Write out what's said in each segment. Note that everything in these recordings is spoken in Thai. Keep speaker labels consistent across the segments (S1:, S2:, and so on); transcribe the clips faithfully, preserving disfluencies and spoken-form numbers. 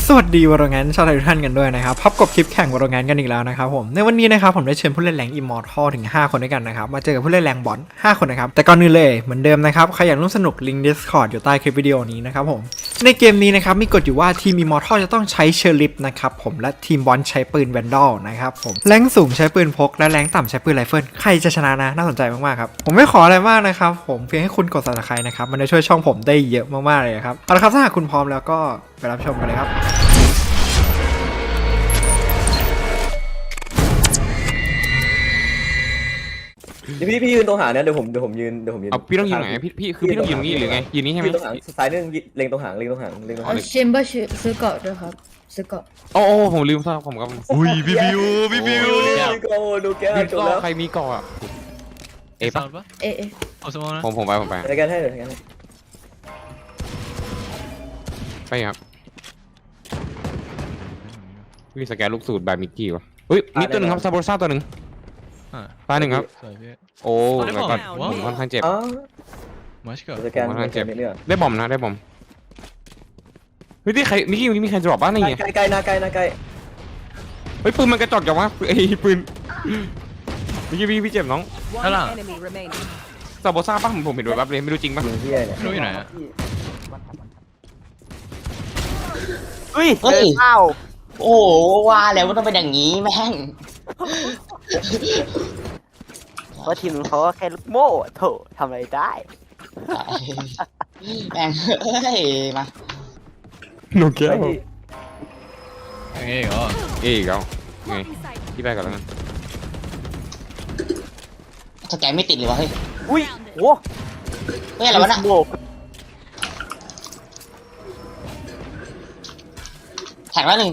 S1: สวัสดีวอร์แงนชาวไทยทุกท่านกันด้วยนะครับพบกับคลิปแข่งวอร์แงนกันอีกแล้วนะครับผมในวันนี้นะครับผมได้เชิญผู้เล่นแรงอิมมอร์ทัลถึงห้าคนด้วยกันนะครับมาเจอกับผู้เล่นแรงบอลห้าคนนะครับแต่ก่อนอื่นเลยเหมือนเดิมนะครับใครอยากร่วมสนุกลิงก์ Discord อยู่ใต้คลิปวิดีโอนี้นะครับผมในเกมนี้นะครับมีกฎอยู่ว่าทีมอิมมอร์ทัลจะต้องใช้เชอร์ลิฟนะครับผมและทีมบอลใช้ปืนแวนดอลนะครับผมแรงสูงใช้ปืนพกและแรงต่ำใช้ปืนไรเฟิลใครจะชนะนะน่าสนใจมากๆครับผมไม่ขออะไรมากนะครับผมเพียงให้คุณกด Subscribe นะครับมันจะช่วยช่องผมได้เยอะมากๆเลยครับเอาละครับถ้าหากคุณพร้อมแล้วก็ไปรับชมกันเลยครับ
S2: เดี๋ยวพี่พี่ยืนตรงหางเนี่ยเดี๋ยวผมเดี๋ยวผมยืนเดี๋ยวผมยืน
S3: เอาพี่ต้องยืนไหนพี่พี่คือพี่ต้องยืนตรงนี้หรือไงยืนนี้ใช่ไหม
S2: ยืนตรงหางซ้ายนึงเล็งตรงหางเล็งตรงหางเล็งตรงหาง
S4: เอาเชมเบอร์ซื้อเกาะด้วยครับซื้อเกาะ
S3: โอ้โอ้ผมลืมซะผมกับ
S5: อุ้ยพี่บิวพี่บิว
S2: ดูโก้ดูแก้ว
S3: พี่
S2: จบ
S3: ก็
S2: แล้ว
S3: ใครมีเกาะอ่ะเอปะ
S5: ปะ
S4: เอะเอะ
S5: เอาสมองนะ
S3: ผมผมไปผมไป
S2: อะไรกันให้เลยกันให้
S3: ไปครับพี่สแกนลูกสูตรแบบมิกกี้วะเฮ้ยมีตัวหนึ่งครับซาโบซ่าตัวหนึ่งตายหนึ่งครับ
S5: สวยพี่
S3: โอ้แล้วก็ผมค่อนข้างเจ็บ
S2: อ๋อ
S5: มาชก็
S2: สแกนสแกนเรื่อง
S3: ได้บอมนะได้บอมเฮ้ยที่ใครมิกกี้มีใครจะบอกบ้างนี่ไง
S2: ใกล้ใกล้นะใกล้นะใกล้
S3: เฮ้ยปืนมันกระจอกจังวะไอ้ปืนมิกกี้พี่พี่เจ็บน้อง
S5: ข้างหลัง
S3: ซาโบซ่าป่ะผมผมเห็นด้วยแบบเลยไม่รู้จริงป่ะ
S2: ยิงที่เนี่ย
S5: รู้อยู่ไหนอะ
S6: เฮ้ยเฮ้ยโอ้โหว่าแล้วว่าต้องเป็นอย่างนี้แม่ง
S7: เพราะทีมเขาก็แค่ลูกโม่โถทำอะไรได้
S6: แม่งเฮ้ยมา
S3: หนูแก้ว
S5: ยังไงเหรอ
S3: เอ้ยแล้วไงพี่ไปก่อนแล้วกัน
S6: สแกนไม่ติดเลยวะเฮ้ย
S7: อุ้ยโว้
S6: เฮ้ยอะไรวะน่ะ
S7: โม่
S6: แท็กแล้วหนึ่ง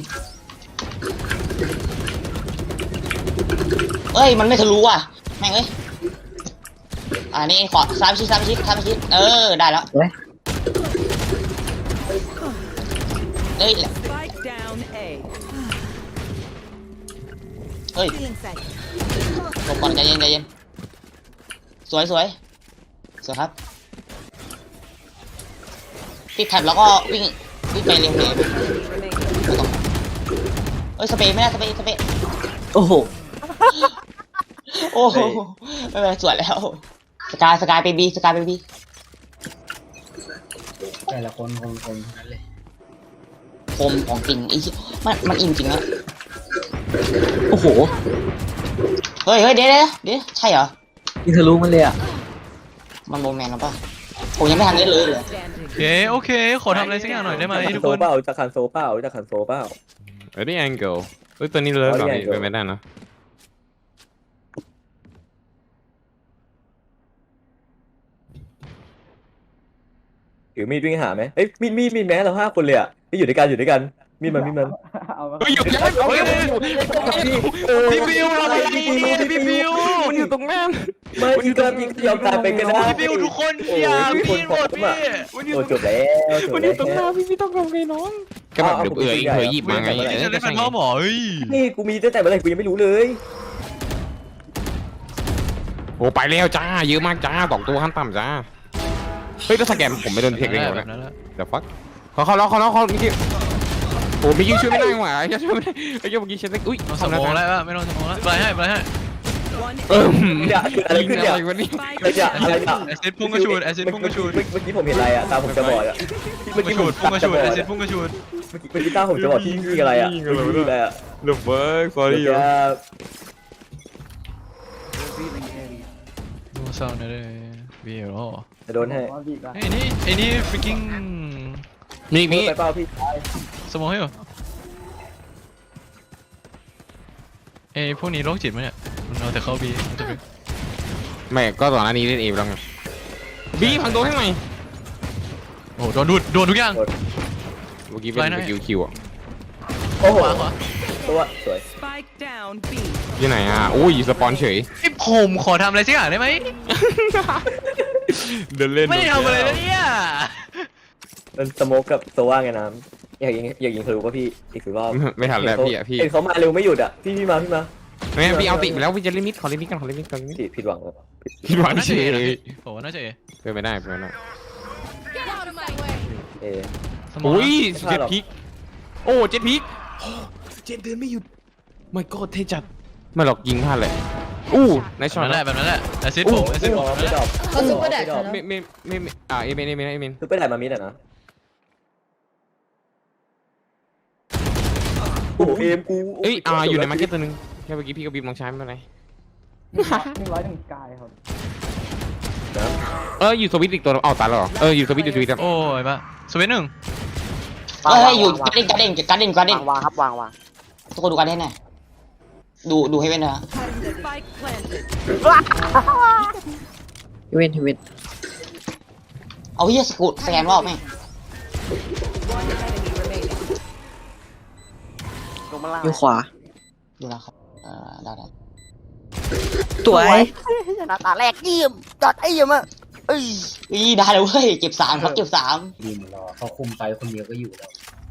S6: เอ้ยมันไม่ทะลุว่ะแม่งเอ้ยอ่านี่ขอซ้ายไปชิดซ้ายไปชิดซ้ายไปชิดเออได้แล้วเฮ้ยเฮ้ยหลบก่อนใจเย็นใจเย็นสวยสวยสวยครับติดแท็บแล้วก็วิ่งวิ่งไปเร็วเลยไม่ต้องเอ้ยสเปรย์ไม่ได้สเปรย์สเปรย์โอ้โหโอ้โหไม่เป็นไรสวยแล้วสกายสกายไปบีสกายไปบีแต่ละคนคมคมนั่นเลยคมของจริงไอ้มันมันอินจริงอะโอ้โหเฮ้ยเฮ้ยเดี๋ยวเดี๋ยวเดี๋ยวใช่เหรอ
S7: ยิงทะลุมันเลยอ่ะ
S6: มันโมแมนหรือเปล่าผมยังไม่ทันเล่นเลยเลย
S5: โอเคโอเคขอทำอะไรสักอย่างหน่อยได้ไหมทุก
S2: โซ
S5: คน
S2: เปล่าจะขันโซเปล่าจะขันโซเปล่า
S3: เอ้ยนี่แองเกิลเฮ้ยตัวนี้เลยแบบเป็นไม่ได้นะ
S2: ถือมีดวิ่งหาไหมเอ้ยมีดมีดมีดแม้เราห้าคนเลยอ่ะที่อยู่ด้วยกันอยู่ด้วยกันมีดมันมีดมัน
S3: เฮ้ยอยู่ยังไม่เฮ้ยพี่บิวอะไรเนี่ยพี่บิวมันอยู่ตรงนั้น
S2: ไม่ยิงก็ยิงยอมตายไปก็ได้
S5: พี่บิวทุกคนอย่าพี่หมดพี่
S2: โอ้จบแล้วจบ
S3: มันอ
S2: แล้
S3: ยู่ตรงนั้น
S2: ว
S3: พี่พี่ต้องทำไงน้องก็แบบเดี๋ยวเอื่อยเผยหยิบมาไง
S5: จะได้เป็นพ่อหมอเฮ้ย
S2: นี่กูมีตั้งแต่เมื่อไหร่กูยังไม่รู้เลย
S3: โอ้ไปแล้วจ้าเยอะมากจ้าสองตัวขั้นต่ำจ้าเฮ้ยแล้วสแกนผมไม่โดนเทคได้ไงวะเนี่ยเดี๋ยวฟักเขาเขาแล้วเขาแล้วเขาเมื่อกี้โอ้เมื่อกี้ช่วยไม่ได้หว่าไอ้ช่วยไม่ได้ไอ้เมื่อกี้เช็ดอุ้ย
S5: สมองแล้วไม่ต้องสมองแล้วไปให้ไปให้
S3: เออ
S2: เนี่ยอะไรขึ้นเนี่ย
S3: อะไรวะนี่
S2: อะไรเนี่ยอะไรเนี่ย
S5: แอซิดพุ่งกระชูดแอซิดพุ่งกระชูด
S2: เมื่อกี้ผมเห็นอะไรอ่ะตาผมจะบอดอ่ะ
S5: พุ่งกระชูดพุ่งกระชูดแอซิดพุ่งกระชูด
S2: เมื่อกี้เมื่อกี้ตาผมจะบอดที่นี่อะไรอ่ะนี่อะไรอ่ะ
S3: The fuck sorry
S2: เดี๋ยว
S5: ดูซาวน์เลยเบียร์อ๋อ
S2: จะโดนให้
S5: ไอ้นี่ไอ้นี่ freaking
S3: มีมี
S2: ไปเปล่าพี่
S5: สมองให้เหรอไอ้พวกนี้โรคจิตมั้ยเนี่ยมันเอาแต่เข้าบีมันจะเป็น
S3: ไม่ก็ตอนนั้นนี้เล่นเอแล้วไงบีพังตัวให้หน่อย
S5: โอ้โดนดูดโดนทุกอย่าง
S3: เมื่อกี้เป็นสกิลคิวอ่ะ
S2: โอ้โห
S5: ขวาขวา
S2: ตัวสวย
S3: ที่ไหนอ่ะโอ้ยสปอนเฉย
S5: ไอ้ผมขอทำอะไรสักอย่างได้ไหม
S3: เดินเล่น
S5: ไม่ได้ทำอะไรเลยเนี่ย
S2: มันสโมกกับโซว่าไงน้ำอยากยิงอยากยิงทะลุป่ะพี่อีกสิบรอบ
S3: ไม่ทันแล้วพี่อ่ะพี่
S2: เห็นเขามาเร็วไม่หยุดอ่ะพี่พี่มาพี่มา
S3: ไม่พี่เอาติไปแล้วพี่จะลิมิตขอลิมิตกันขอลิมิตกันลิมิต
S2: ผิดผิดหวัง
S3: พี่หวานเฉยเลย
S5: ผมว่าน่าจะเอ
S3: เป็นไม่ได้เป็นไม่ได้
S2: เอ
S5: สมอง
S3: อุ้ยเจ็บพิกโอ้เจ็ดพีคเจ็ดเดินไม่หยุดไม่ก็เท่จัดไม่หรอกยิงพลาดเลยอู้ใน
S5: แบบ
S3: ช็อต
S5: นั้นแหละแบบนั้นแหละแอซิด
S3: อู้
S5: ผมแอซิด
S2: ไม่
S5: ผม
S2: ดอกไม่ดอก
S4: เขาซุปเปอร์แดด
S2: ไม่ดอก
S4: แล้ว
S3: ไม่ไม่ไม่ไม่อ่าเอเมนเอเมนเอเมน
S2: คือไปถ่ายมามิดอ่ะนะโอ้เอ็มกู
S3: เอ้ยอ่าอยู่ในมาร์เก็ตตัวนึงแค่เมื่อกี้พี่กับบีมลองใช้ไม่เป็นไร
S7: หนึ่งร้อยหนึ่งกายครับ
S3: เอออยู่สวิตช์อีกตัวนึงอ้าวตายแล้วเหรอเอออยู่สวิตช์อยู่สวิตช์ครับ
S5: โอ้ยปะสวิตช์หนึ่ง
S6: เฮ้ยอยู่การเด้นการเด้นการเด้นการเด้น
S7: วางวางครับวางวาง
S6: ทุกคนดูการเด้นหน่อยดูดูให้เว้นนะ
S7: เว้นเว้น
S6: เอาเฮียสกูตสแกนรอบแม่ง
S7: ลงมาล่าง
S8: อยู่ขวา
S6: ดูแล้วครับเออได้ได้
S8: สวย
S7: ชนะตาแรกเยี่ยมจัดไอ้เยี่ยมอ่ะเอ้ย
S6: อีได้เลยเว้ยเก็บสามครับเก็บสาม
S9: ยิงรอเขาคุมไปคนเดียวก็อยู่แล้ว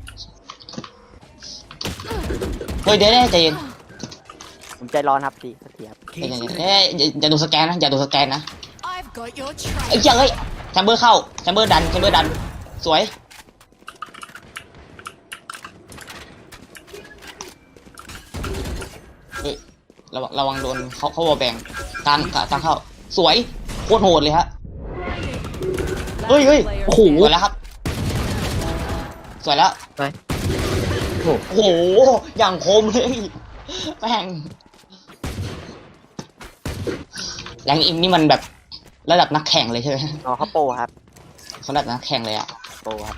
S6: เฮ้ยเดี๋ยวได้ใจเย็น
S7: ผมใจร้อนครับพี่เสียบ
S6: ใจเย็นเอ้ยอย่าอย่าดูสแกนนะอย่าดูสแกนนะไอ้เจ้าเฮ้ยแชมเบอร์เข้าแชมเบอร์ดันแชมเบอร์ดันสวยเฮ้ยระวังระวังโดนเขาเขาวอลแบงกลางกลางเข้าสวยโคตรโหดเลยฮะเฮ้ยเฮ้ยโอ้โหสวยแล้วครับสวยแล้ว
S8: ไป
S6: โอ้โหอย่างคมเลยแม่งแรงอิมนี่มันแบบระดับนักแข่งเลยใช่ไหม
S7: อ๋อเขาโปรครับ
S6: เขาระดับนักแข่งเลยอะ
S7: โปรครับ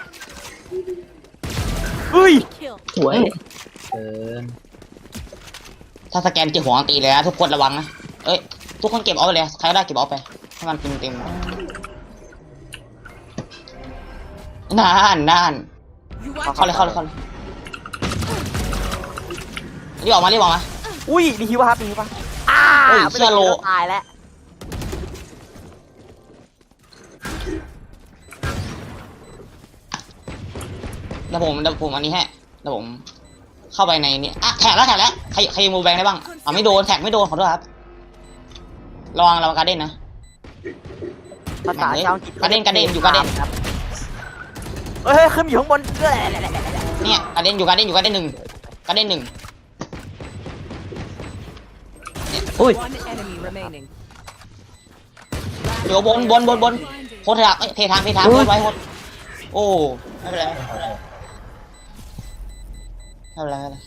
S8: สวย
S9: เกิน
S6: ถ้าสแกนเก็บหัวตีเลยนะทุกคนระวังนะเอ้ยทุกคนเก็บเอาไปเลยใครก็ได้เก็บเอาไปให้มันเต็มเต็มนานนานเข้าเลยเข้าเลยเข้าเลยรีบออกมารีบออกมา
S7: อุ้ยมีฮิวป่ะครับมีฮิวป่ะอ้า
S6: เฮ้ย
S7: ไม่
S6: เชื่
S7: ได้
S6: อโล
S7: ตายแล้ว
S6: แล้วผมแล้วผมอันนี้ให้แล้วผมเข้าไปในนี้อ่ะแท็กแล้วแท็กแล้วใครใครมูแบงได้บ้างอ่ะไม่โดนแท็กไม่โดนขอโทษครับระวังระวังการเด้นนะ
S7: ภาษาชาวอังกฤษ
S6: กระเด็นกระเด็นอยู่กระเด็น
S7: ครับเฮ้ยขึ้นอยู่ข้างบนเอ้ย
S6: เนี่ยการเด้นอยู่การเด้นอยู่การเด้นหนึ่งการเด้นหนึ่ง
S8: อุ้ย
S6: เดี๋ยวบนบนบนบนโคตรทางเอ้ยเททางเททางโคตรไว้โคตรโอ้ไม่เป็นไรไม่เป็นไรไม่เป็นไร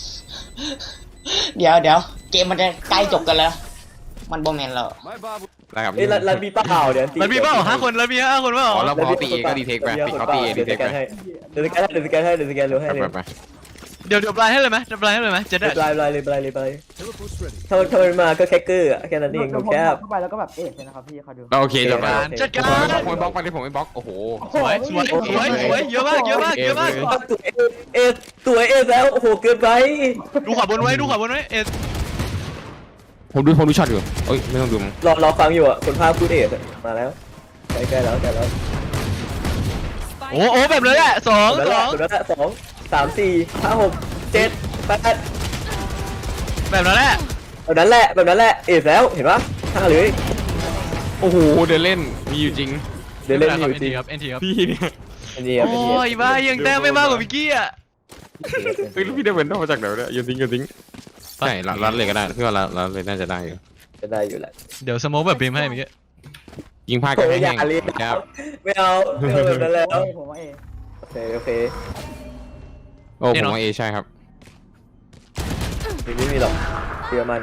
S6: เดี๋ยวเดี๋ยวเกมมันจะใกล้จบกันแล้ว มันโบแมนแล้ว
S3: ได้ครับ
S2: เอ้ยรันรันมีเปล่าเดี๋ยว
S5: แล้วมีเปล่าห้าคนแล้วมีห้าคนเปล่า
S3: อ๋อแล้วพอตีเอก็ดีเทคไปปิดเขาตีเอดี
S2: เดี๋ยว
S3: เท
S2: ส
S3: ค
S2: แก
S3: ไป
S2: นให้เดี๋ยวสแกนให้เดี๋ยวสแกนให้เดี๋ยวสแกนเร็วให้เลย
S3: ไปไป
S5: เดี๋ยวเดี๋ยวปลายให้เลยไหมเดี๋ยวปลายให้เลยไหมเจ็ด
S2: ป
S5: อะ
S2: ลายปลายเลยปลายเลยปลายถ้ามันถ้ามันมาก็แค่เกอร์อะแค่นั้นเองผมแค่
S7: เข้าไปแล้วก็แบบเอ๊ะนะครับพี่เขาดู
S3: โอเคจบแล้ว
S5: จัดการ
S3: ผมไม่บล็อกไปที่ผมไม่บล็อกโอ้โห
S5: สวยสวยสวยสวยเยอะมากเยอะมากเยอะมาก
S2: ตัวเอเอตัวเอแล้วโอ้โหเกินไป
S5: ดูขวาบนไว้ดูขวาบนไว้เอ็ด
S3: ผมดูผมดูช็อตอยู่เอ้ยไม่ต้องดูมั้ง
S2: รอรอฟังอยู่อ่ะคนภาพพูดเอสมาแล้วใกล้ใกล้แล้วใกล้แล้ว
S5: โอ้โอ้แบบเลยอะสอง
S2: แบบ
S5: ส
S2: นั้น
S5: อง
S2: แบบนั้นสองสามสี่ห้าหกเจ็ดแปด
S5: แบบนั้นแหละ
S2: แบบนั้นแหละแบบนั้นแหละเอสแล้วเห็นปะห้าเลย
S3: โอ้โหเดินเล่นมีอยู่จริง
S2: เดี๋ยวเล่นอ
S5: เอ็
S2: ยู่
S5: น
S2: จริ
S5: ที
S2: ง
S5: ครับเอ็นทีครับ
S3: พี่เนี่ย
S2: อันนี้อ่ะ
S5: โอ้ยบ้ายังแต้มไม่มากกว่าพิกกี้อะ
S3: เฮ้ยแล้วพี่ได้เป็นมาจากไหนเนี่ยโยนทิ้งโยนทิ้งใช่รัดเลยก็ได้พี่ว่ารัดเลยน่าจะได้อยู่
S2: จะได้อยู่แหละ
S5: เดี๋ยวสโมกแบบบีมให้เมื่อกี้
S3: ยิงพลาดกัน
S2: โอ้
S3: ให้
S2: ยอ
S3: แห้
S2: ย่าง เรียน
S3: ครับ
S2: ไม่เอาไม่เอาแบบนั้นแล้ว
S7: ผมว่าเอ
S2: โอเคโอเค
S3: โอ้ผมว่าเอใช่ครับ
S2: ไม่มีหรอกเชื่อมัน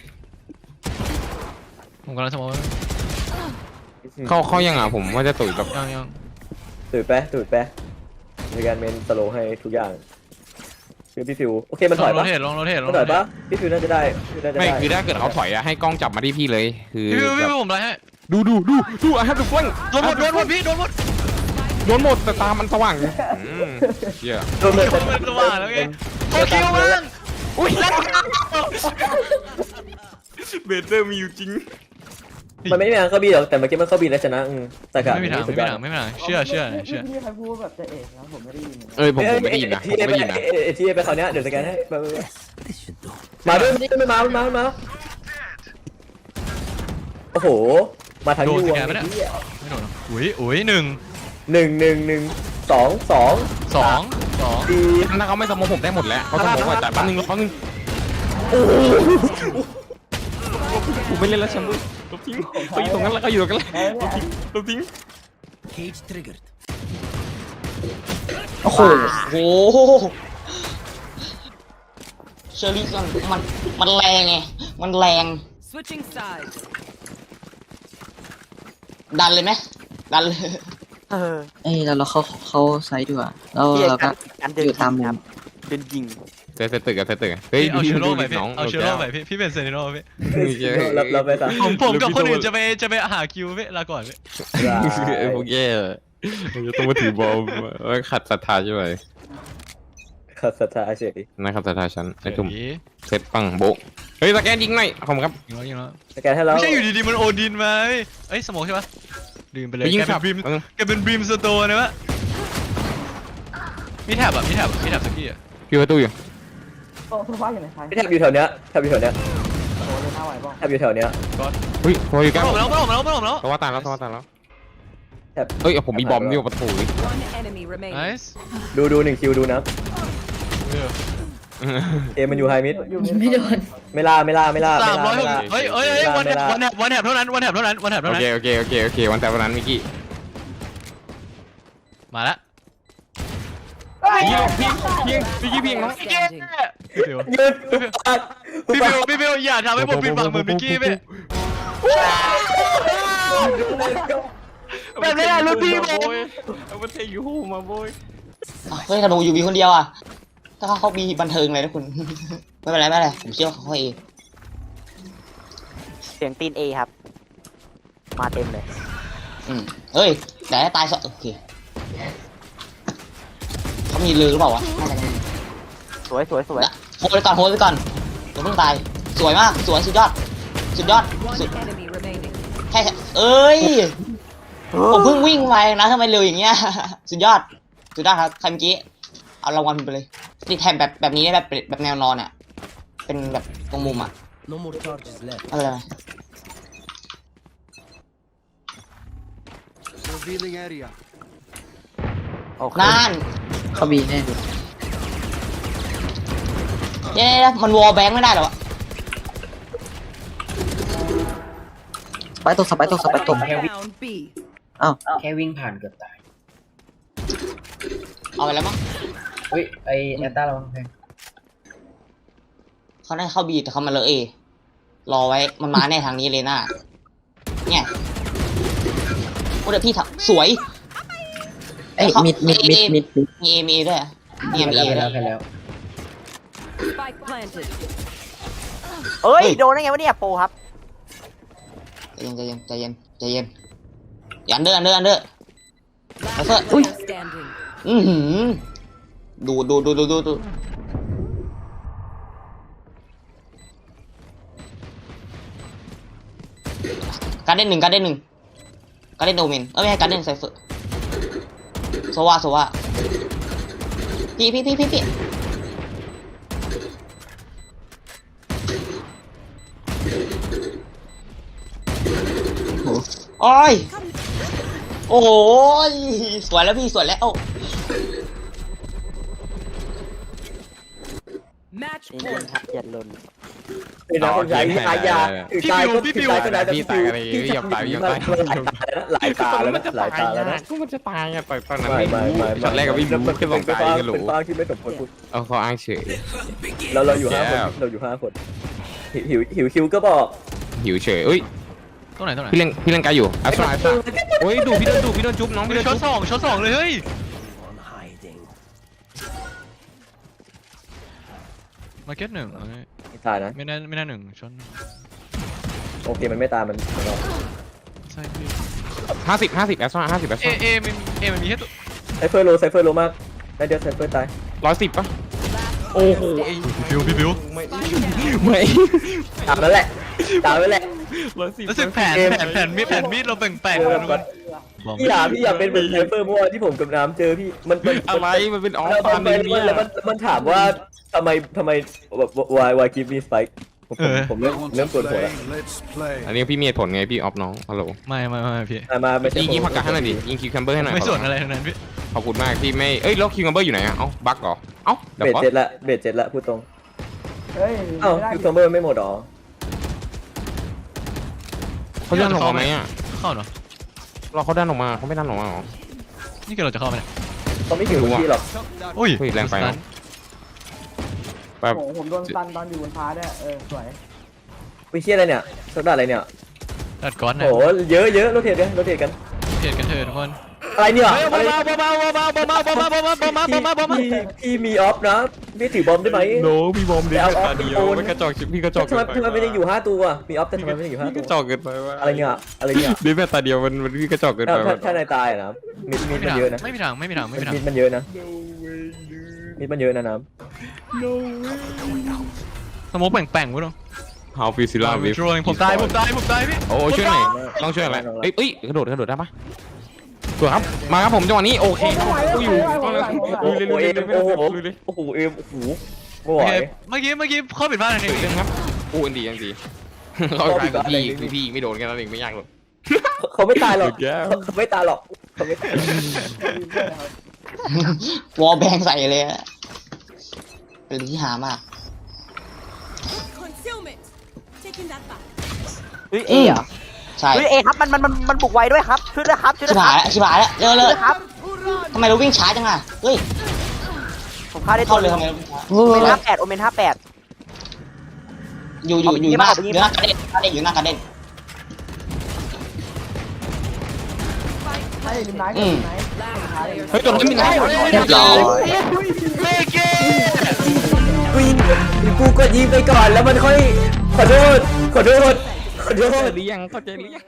S5: ผมกำลังสโมก
S3: เข้าเข้ายังอ่ะผมว่าจะตุ๋ยแบบ
S5: ยังยัง
S2: ตื่นไปตื่นไปในการเมนสโลให้ทุกอย่างคือพี่ฟิวโอเคมัน
S5: ล
S2: ถ
S5: อ
S2: อง ย
S5: โร
S2: ปะ
S5: เทตลองโรเทตลอง
S2: มัน
S5: โร
S2: ถอย
S5: เท
S2: ปะ
S5: ต
S2: พี่ฟิวน่าจะได้พี่ฟิวน่าจะได้
S3: ไม่คือถ้าเกิดเขาถอยอะให้กล้องจับมาที่พี่เลยคือ
S5: พี่พี่
S3: แบ
S5: พี่
S3: บ
S5: ผมไล่ให้
S3: ดูดูดูดูอ่ะครับดูฟัง
S5: โดนหมดโดนหมดพี่โดนหมด
S3: โดนหมดแต่ตามันสว่างอืมเชี่ย
S2: โดนเลย
S5: มันสว่างแล้วไงโคคิวมั้งอุ้ยแล้ว
S3: เบเตอร์มีอยู่จริง
S2: มันไม่มีทางเข้าบีหรอกแต่เมื่อกี้มันเข้าบีแล้วชนะอืมแต่กะ
S5: ไม่มีทางไม่มีทางไม่มีทางเชื่อเชื่อเชื่อ
S7: พี่ใครพูดแบบจะเอกนะผมไม่ได้ยิน
S3: เอ้ยผมผมไม่ได้ยินนะผมไม่ได้ยินนะ
S2: เอทีไปคราวเนี้ยเดี๋ยวสแกนให้มาด้วยไม่มามามาโอ้โหมาทาง
S5: โด
S2: ยู
S5: นสแกนไหมเนี่ยไม่โดนอุ้ยอุ้ยหนึ่ง
S2: หนึ่งหนึ่งหนึ่งสองสอง
S5: สองสอง
S2: ดี
S3: ถ้าเขาไม่สมองผมได้หมดแล้วเขาสมองว่าแต่แป๊บนึงแป๊บนึงผมไม่เล่นแล้วแชมป์ลบทิ้งเขาอยู่ตรงนั้นแล้วเขาอยู่ตรงนั้นลบทิ้งลบทิ้ง
S6: โอ้โหโอ้โหเชอรี่มันมันมันแรงไงมันแรง
S8: Switching sides.
S6: ดันเลยไหมดันเลย
S7: เออ
S8: เอ้ยแล้วเราเขาเขาไซด์ดีกว่าแล้ว
S7: พี่
S8: เราก็
S7: การเดิน
S8: อยู่ตามมุ
S7: ครั
S8: ม
S7: บเดินยิง
S3: เซตตึกอะเซตตึกเฮ้ย
S5: เอาเชโร่ไปพี่
S3: น้อง
S5: เอาเชโร่ไปพี่พี่เป็นเซนิโร่พี่
S2: รับรับไปซะ
S5: ผมผมกับคนอื่นจะไปจะไปหาคิวพี่ลาก่อนพี่
S3: ไอ้พวกแย่ต้องมาถือบอลขัดศรัทธาใช่ไหม
S2: ขัดศรัทธาเฉย
S3: นะครับศรัทธาฉันไอ้ทุ่ม
S5: เฮ้ย
S3: เซตปังโบะเฮ้ยสแกนยิงหน่อยขอบคุณครับ
S5: ยิงแล้วยิงแล้ว
S2: สแกนให้เรา
S5: ไม่ใช่อยู่ดีๆมันโอดินมาเฮ้ยเอ้ยสมองใช่ปะลืมไปเลย
S3: ไปยิง
S5: แก
S3: สั
S5: เป็
S3: บ
S5: นบีมแกเป็นบีมสโตร์นะวะมีแถบอ่ะมีแถบมีแถบสกี้อ่ะ
S3: พี่ประตูอยู่
S2: แทบอยู่แถวเนี้ยแทบอยู่แถวเนี้ยแทบอยู่แถวเนี้ย
S3: เฮ้ยพออยู่ใกล้
S5: มาแล้วมาแล้วมาแล้วมาแล้ว
S3: เพราะว่าตายแล้วเพราะว่าตายแล้ว
S2: แทบ
S3: เฮ้ยผมมีบอมนี่ประตู
S8: One enemy
S5: ไน
S8: remaining.
S5: ส์
S2: ดูดูหนึ่งคิวดูนะเอมันอยู่ไฮมิด
S4: ยิงไม่โดน
S2: ไม่ล่าไม่ล่าไม่ล่า
S5: สามร้อยหก
S2: ไล่
S5: เฮ้ยเฮ้ยเฮ้ยวันแถบวันแถบวันแถบเท่านั้นวันแถบเท่านั้นวันแถบ
S3: โอ
S5: เท่านั้
S3: เคน โอเคโอเคโอเควันแต่วันนั้นมิกกี้
S5: มาละ
S3: พี่พี่พี่พี่พี่พี่น้อง
S8: Standing.
S5: พี่บิว
S2: ยืนปาก
S5: พี่บิวพี่บิวอย่าทำให้ผมปิดปากเหมือนมิกกี้พี่แบบนี้รุ่นพี่ผม
S3: เอามาเทยูมาโบย
S6: อ้าวเฮ้ยธนูอยู่บีคนเดียวอ่ะถ้าเขาเขามีบันเทิงเลยนะคุณ ไม่เป็นไรไม่เป็นไรผมเชื่อว่าเขาเอง
S7: เสียงตีนเอครับ มาเต็มเลย
S6: อืมเฮ้ยแต่ตายสองโอเคเขามีลือหรือเปล่าวะน่าจะมี
S7: สวยสวยสวย
S6: โหดไปก่อนโหดไปก่อนอย่าเพิ่งตายสวยมากสวยสุดยอดสุดยอด
S8: One
S6: สุด
S8: enemy remaining.
S6: แค่เอ้ยผมเพิ่งวิ่งไปนะทำไมเร็วอย่างเงี้ย สุดยอดสุดยอดครับใครเมื่อกี้เอารางวัลไปเลยติดแทนแบบแบบนี้ได้แบบแบบแนวนอนอ่ะเป็นแบบตรงมุมอ่ะอะไรนะ
S7: โอเค
S6: นั่น
S8: เขาบีแน่ดู
S6: เย้มันวอลแบงค์ไม่ได้เหรอวะ
S8: สไปตกสไปตกสไปตก Down B. อ้าว
S9: แค่วิ่งผ่านเกือบตาย
S6: เอาไปแล้วมั้ง
S9: เฮ้ย ไอแอตตาเราแพง
S6: เขาได้เข้าบีแต่เขามาเลยเอรอไว้มันมาแน่ทางนี้เลยน่าเนี่ยโอ้เดี๋ยวพี่ถักสวย
S8: เอ้ยมิดมิดมิดมิดมิด
S6: มีเอมีด้วยอะมี
S9: ไป
S6: เอมี
S9: แล้ว
S6: เอ
S9: ไป
S6: ด้
S9: แล้ว วย ไปแล้ว
S8: Spike planted.
S7: เอ้ย โดนได้ไงวะเนี่ยโปรครับ
S6: ใจเย็นใจเย็นใจเย็นใจเย็นอย่าอันเดอร์อันเดอร์อันเดอร์
S8: Last
S6: What's that?
S8: player standing.
S6: อือหือดูดูดูดูดูดูการเด่นหนึ่งการเด่นหนึ่งการเด่นโดเมนเอ้ยไม่ใช่การเด่นไซเฟอร์โซวาโซวาพี่พี่พี่พี่พี่โอ้ยโอ้ยสวยแล้วพี่สวยแล้ว
S8: Match
S7: นี่เป็น
S8: point.
S7: ครับอย่าลน
S2: เป็นนะคนใช้อายาถึงตายก็ถึงตายก็ได้แต่
S3: พี่ตายอะไรพี่อย่าตายอย่าตาย
S2: หลายตาแล้วนะหลายตาแล้วนะ
S3: ก็มันจะตายอ่ะตอนตอนนั้น
S2: ไม่
S3: ไม่
S2: ไม่ไม่
S3: ช็อตแรกกับพี่บูขึ้นสองตายกันหรู
S2: เป็นฟ้าที่ไม่สมควรพูด
S3: เอาเขาอ้างเฉย
S2: เราเราอยู่ห้าคนเราอยู่ห้าคนหิวหิวคิวก็บอก
S3: หิวเฉยเอ้ย
S5: ตรงไหนตรงไหน
S3: พี่เล่นพี่เล่นไกลอยู่อัสราอัสราโอ้ยดูพี่โดนดูพี่โดนจุ๊บน้องพี่โดน
S5: ช็อ
S3: จุ๊
S5: ต
S3: บ
S5: สองช็อตสองเลยเฮ้ยมาเก็ตหนึ่งเอ้ย
S2: ตายนะ
S5: ไม่น่าไม่น่าหนึ่งช็อต
S2: โอเคมันไม่ตายมันมัน
S5: ใช่พี่
S3: ห้าสิบห้าสิบแอสราห้าสิบแอส
S5: เอ
S3: รา
S5: เอมันเอมันมีแค่ตัว
S2: ไซเฟอร์โลไซเฟอร์โลมากได้เดียวไซเฟอร์ตาย
S3: ร้อยสิบป่ะ
S5: โอ้โหบิวพี่บิว
S3: ไม่
S2: ตามแล้วแหละตามแล้วแหละ
S3: ร้อยสิบ
S5: รู้สึกแผนแผนแผนมีดแผนมีดเราแบ่งแปลงกันทุกคน
S2: พี่อยากพี่อยากเป็นเหมือนไซเฟอร์เมื่อวานที่ผมกับน้ำเจอพี่มันมัน
S3: อะไรมันเป็นออฟ
S2: แล้ว
S3: ฟา
S2: มัน
S3: ร์ม
S2: แล้ว
S3: เนี่ย
S2: มันมันถามว่าทำไมทำไมแบบ why why give me spike ผม
S5: เออ
S2: ผมเริ่มเริ่มปวดหัวแล้ว
S3: อันนี้พี่มีเหตุผลไงพี่ออฟน้องฮัลโหล
S5: ไม่ไม่ไม่พี่
S2: อ่ะมาไม่ใช่
S3: ยิงยิงผักกาดให้หน่อยดิยิงคิวแคมเบอร์ให้หน่อย
S5: ไม่สน
S3: ข
S5: อะไรทั้งนั้นพี่
S3: ขอบคุณมากที่ไม่เอ้ยแล้วคิวแคมเบอร์อยู่ไหนอะเอ้าบั๊กเหรอเอ้าเดี๋ยว
S2: เบส
S3: ก่อน
S2: เจ็ดละเบสเจ็ดละพูดตรงเอ้าคิวคัมเบอร์ไม่หมดหรอ
S3: เขาดันออกมาไหมอะ
S5: เข้าเนาะ
S3: เราเขาดันออกมาเขาไม่ดันออกมาหรอ
S5: นี่คือเราจะเข้าไหมเนี่ย
S2: เขาไม่ถึงที่หรอก
S5: อุ้ย
S3: เฮ้ยแรงไปเนอะ แบบ
S7: ผมโดนตันตอนอยู่บนฟ้าด้วยเออสวย
S2: วิเชียอะไรเนี่ยสักดาอะไรเนี่ย
S5: ตัดก้อนนะ
S2: โอ้เยอะเยอะโรเทตกันโรเทตกัน
S5: เกลียดกันเถอะทุกคน
S2: อะไรเนี่ย
S5: เบาเบาเบาเบาเบาเบาเบาเบาเบาเบาเบาเบาเบาเบาเบา
S2: พี่พี่มีออฟนะพี่ถือบอมได้ไหม
S3: โนมีบอมเดียว
S2: เอาเอา
S3: ตาเดียว
S2: โอน
S3: ไม่กระจอกพี่กระจอก
S2: ทำไม
S3: เกินไป
S2: ทำไมไม่ได้อยู่ห้าตัวมีออฟแต่ทำไมไม่ได้อยู่ห้า
S3: พี่ก
S2: ตัว
S3: ระจอกเกินไปว่า
S2: อะไรเนี่ยอะไรเนี่ย
S3: ดิแม่ตาเดียวมันมันพี่กระจอกเกิน
S2: ถ้า
S3: ไป
S2: ถ้าถ้านายตายอะนะมิดมิดมันเยอะนะ
S5: ไม่มีทางไม่มีทางไม่มีทาง
S2: มิดมันเยอะนะมิดมันเยอะนะน้
S5: สมมติแป่งแป่งวุ้ง
S3: ฮาวฟิซิล่าวิฟ
S5: ผมตายผมตายผมตายพี่
S3: โอ้ช่วยหน่อยต้องช่วยอะไรเอ้ยเอ้ยกระโดดกระโดดได้ปะตัวครับมาครับผมจังหวะนี้โอเคกูอยู่
S2: ำโอ้โหเอ็มโอ้โหโอ้โหเอ็มโอ้โหไม่ไหว
S5: เมื่อกี้เมื่อกี้เข้าผิดพลาดอะไร
S3: เรื่องครับอู้อันดีอันดีเขาไปกับพี่คือพี่ไม่โดนกันแล้วเองไม่ยากหรอก
S2: เขาไม่ตายหรอก
S3: สุดแย่
S2: เขาไม่ตายหรอกเขาไม่ตาย
S6: วอลแบงใส่เลยอะเป็นที่หามาก
S7: เฮ้ยเอเหรอ
S6: ใช่
S7: เฮ้ยเอครับมันมันมันมันบุกไวด้วยครับช่วยด้วยครับช่วย
S6: ชิ
S7: ด้
S6: บ
S7: วยค
S6: หาย
S7: รับ
S6: แล้วชิบหายแล้วเร็ว
S7: ช่
S6: เล
S7: วย
S6: ย
S7: ด้วยครับ
S6: ทำไมเราวิ่งช้าจังอ่ะเฮ้ย
S7: ผมฆ่าได้ตั
S6: เข้าว เลย
S7: ห
S6: ทำ
S7: นึ่ง
S6: ไม
S7: โอเมนห้าแปดโอเมนห้าแปด
S6: อยู่อยู่อยู่หน้าอยู่หน้ากระเด็นกระเด็นอยู่หน้ากระเด็นอืม
S3: เฮ้ยตัวนั้นมีน้ำ
S6: เรียบร้อย
S2: กูกูกดยิงไปก่อนแล้วมันค่อยขอโทษขอโทษขอโทษ
S3: หรือยังเข้าใจหรือยัง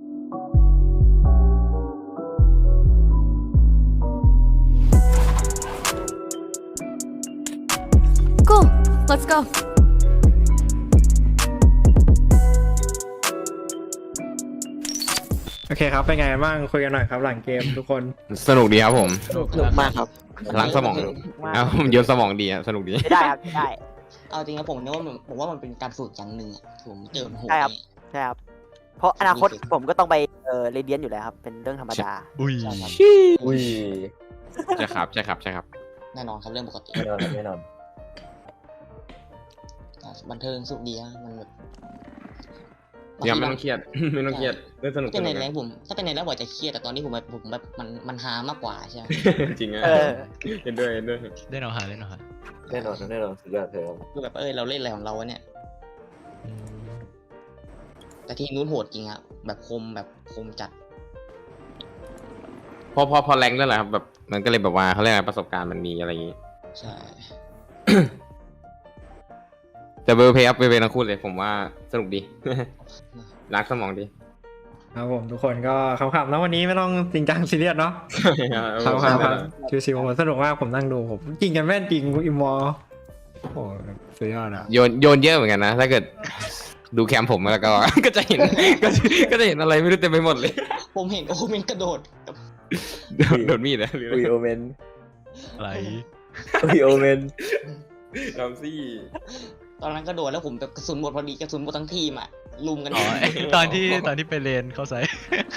S4: Cool. Let's go.
S1: โอเคครับเป็นไงบ้างคุยกันหน่อยครับหลังเกมทุกคน
S3: สนุกดีครับผม
S7: สนุกมากครับ
S3: ล้างสมองเอาเยอะสมองดีอะสนุกดี
S7: ไม่ได้ครับไม่ได้
S6: เอาจริงนะผมนึกว่ามันผมว่ามันเป็นการฝึกอย่างหนึ่งอะผมเจอมันโหด
S7: ใช่ครับ
S6: นี่
S7: ใช่ครับเพราะอนาคตผมก็ต้องไปเออเรียนอยู่แล้วครับเป็นเรื่องธรรมดา
S5: อุ้ย
S2: อุ้ย
S3: ใช่ครับใช่ครับใช่ครับ
S6: แน่นอนครับเรื่องปกติ
S2: แน่นอนแน่นอน
S6: บันเทิงสุขดีอะมันแบบ
S3: อย่าไม่ต้องเครียด ไม่ต้องเครียดเล่นสนุก
S6: เป็นในแรงผมถ้าเป็นในแรงผมจะเครียดแต่ตอนนี้ผมแบบผมแบบมันมันฮามากกว่าใช่ไหม
S3: จริงอะ
S7: เออ
S3: เห็นด้วยเห็นด้วย
S5: เล่นเอาหาเล่นเอาหา
S2: แน่นอนแน่นอนสุดยอดเธอ
S6: คือแบบเออเราเล่นอะไรของเราวะเนี่ย แต่ทีมนู้นโหดจริงอะแบบคมแบบคมจัด
S3: พอพอพอแรงด้วยแหละครับแบบมันก็เลยแบบว่าเขาเรียกอะไรประสบการณ์มันมีอะไรอย่างงี้
S6: ใช่
S3: แต่เบอร์เพย์อัพเบอร์เพย์ทั้งคู่เลยผมว่าสนุกดี ล้างสมองดี
S1: ครับผมทุกคนก็ขำๆนะวันนี้ไม่ต้องจริงจังซีเรียสเนาะครับครับครับชิวๆผมสนุกมากผมนั่งดูผมจริงกันแม่นจริงอิมมอร์โอ้โหสุดยอดอะ
S3: โยนโยนเยอะเหมือนกันนะถ้าเกิดดูแคมผมแล้วก็ ก็จะเห็นก็จะก็จะเห็นอะไรไม่รู้เต็มไปหมดเลย
S6: ผมเห็นโอเมนกระโดด
S3: โดนโดนมีดนะหรือ
S2: อุ้ยโอเมน
S5: อะไร
S2: อุ้ยโอเมน
S3: ดอมซี่
S6: ตอนนั้นกระโดดแล้วผมแบบกระสุนหมดพอดีกระสุนหมดทั้งทีมอะลุมกัน
S5: อ๋อไอ้ตอนที่ตอนที่ไปเรียนเข้าไซต์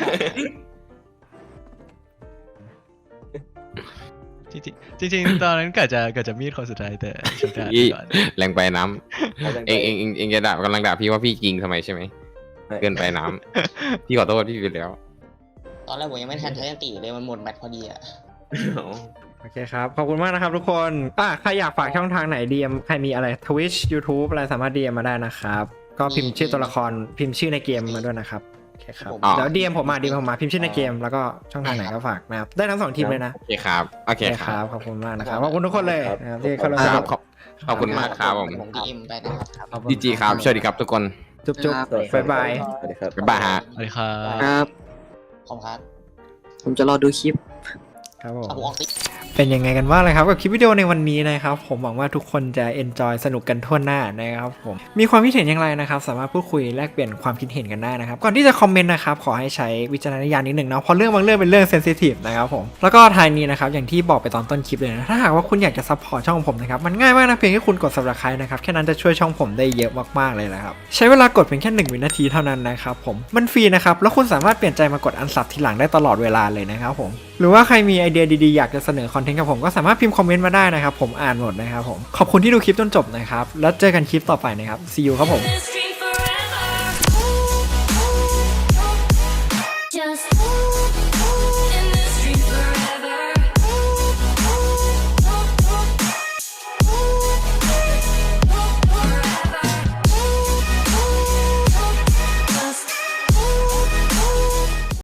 S5: จริงๆจริงๆตอนนั้นกะจะกะจะมีดคนสุดท้ายแต่ชนะ
S3: อี
S5: ก่อน
S3: แรงไปน้ำเองเองเองเองจะด่ากำลังด่าพี่ว่าพี่ยิงทำไมใช่ไหมเกินไปน้ำพี่ขอโทษพี่ไปแล้ว
S6: ตอนแรกผมยังไม่ทันใช้ยันตีเลยมันหมดแบตพอดีอะ
S1: โอเคครับขอบคุณมากนะครับทุกคนอ่ะใครอยากฝากช่องทางไหน ดี เอ็ม ใครมีอะไร Twitch YouTube อะไรสามารถ ดี เอ็ม มาได้นะครับก็พิมพ์ชื่อตัวละครพิมพ์ชื่อในเกมมาด้วยนะครับโอเคครับเดี๋ยว ดี เอ็ม ผมมา ดี เอ็ม ผมมาพิมพ์ชื่อในเกมแล้วก็ช่องทางไหนก็ฝากนะครับได้ทั้งสองทีมเลยนะ
S3: โอเคครับโอเค
S1: โอเค
S3: ค
S1: ค
S3: รั
S1: รั
S3: บบ
S1: ขอบคุณมากนะครับขอบคุณทุกคนเลยนะครับที่เข้ามา
S3: ค
S1: ช
S3: รับ
S1: ม
S3: ขอบขอบคุณมากครับผม
S6: ผมดีเอ็มไปนะครับ
S3: ดีจีครับสวัสดีครับทุกคน
S1: จุ๊บจุ๊บบ๊ายบาย
S2: สวัสดีครับ
S3: บ๊ายบายฮะ
S5: สวัสดีครับ
S8: ครับ
S6: ขอบคุณครับ
S8: ผมจะรอดูคลิป
S1: ครับผม
S6: เอาผมออกติ
S1: โอเคเป็นยังไงกันบ้างเลยครับกับคลิปวิดีโอในวันนี้นะครับผมหวังว่าทุกคนจะ enjoy สนุกกันทั่วหน้านะครับผมมีความคิดเห็นอย่างไรนะครับสามารถพูดคุยแลกเปลี่ยนความคิดเห็นกันได้นะครับก่อนที่จะคอมเมนต์นะครับขอให้ใช้วิจารณญาณนิดหนึ่งเนาะเพราะเรื่องบางเรื่องเป็นเรื่องเซนซิทีฟนะครับผมแล้วก็ท้ายนี้นะครับอย่างที่บอกไปตอนต้นคลิปเลยนะถ้าหากว่าคุณอยากจะซัพพอร์ตช่องของผมนะครับมันง่ายมากนะเพียงแค่คุณกด Subscribe นะครับแค่นั้นจะช่วยช่องผมได้เยอะมากๆเลยนะครับใช้เวลากดเพียงแค่หนึ่งวินาทีเท่านั้นนะครับผมมันฟรีนะครับแล้วคุณสามารถเปลี่ยนใจมากดอันซับทีหลังได้ตลอดเวลาเลยนะครับผมหรือว่าใครมีไอเดียดีๆอยากจะเสนอคอนเทนต์กับผมก็สามารถพิมพ์คอมเมนต์มาได้นะครับผมอ่านหมดนะครับผมขอบคุณที่ดูคลิปจนจบนะครับแล้วเจอกันคลิปต่อไปนะครับ see you ครับผม